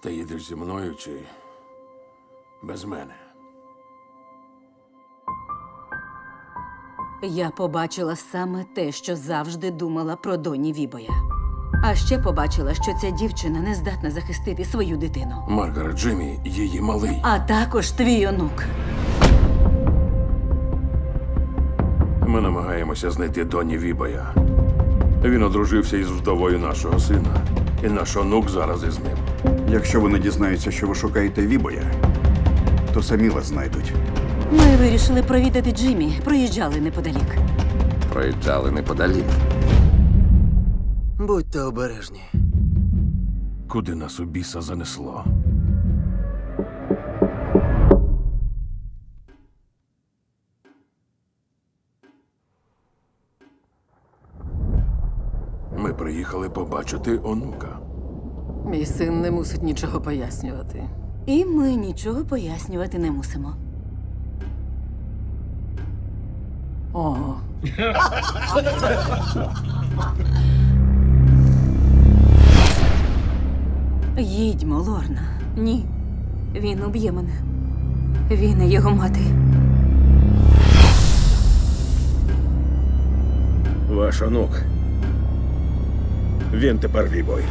Ти їдеш зі мною чи без мене? Я побачила саме те, що завжди думала про Доні Вібоя. А ще побачила, що ця дівчина не здатна захистити свою дитину. Маргарет Джиммі, її малий. А також твій онук. Ми намагаємося знайти Доні Вібоя. Він одружився із вдовою нашого сина. І наш онук зараз із ним. Якщо вони дізнаються, що ви шукаєте Вібоя, то самі вас знайдуть. Ми вирішили провідати Джиммі. Проїжджали неподалік. Проїжджали неподалік. Будьте обережні. Куди нас у біса занесло? Ми приїхали побачити онука. Мій син не мусить нічого пояснювати. І ми нічого пояснювати не мусимо. О, Їдьмо, Лорна. Ні. Він уб'є мене. Він і його мати. Ваш онук. Він тепер Вібой.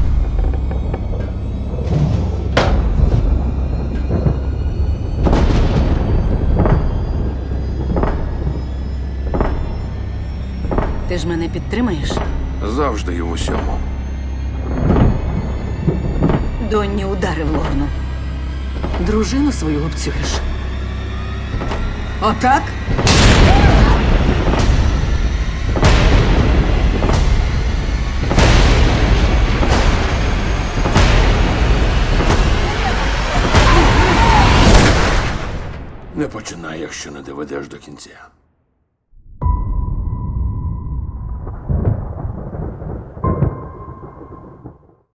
Ти ж мене підтримаєш? Завжди і в усьому. Донні ударив Лорну. дружину свою обцюєш. Отак? Не починай, якщо не доведеш до кінця.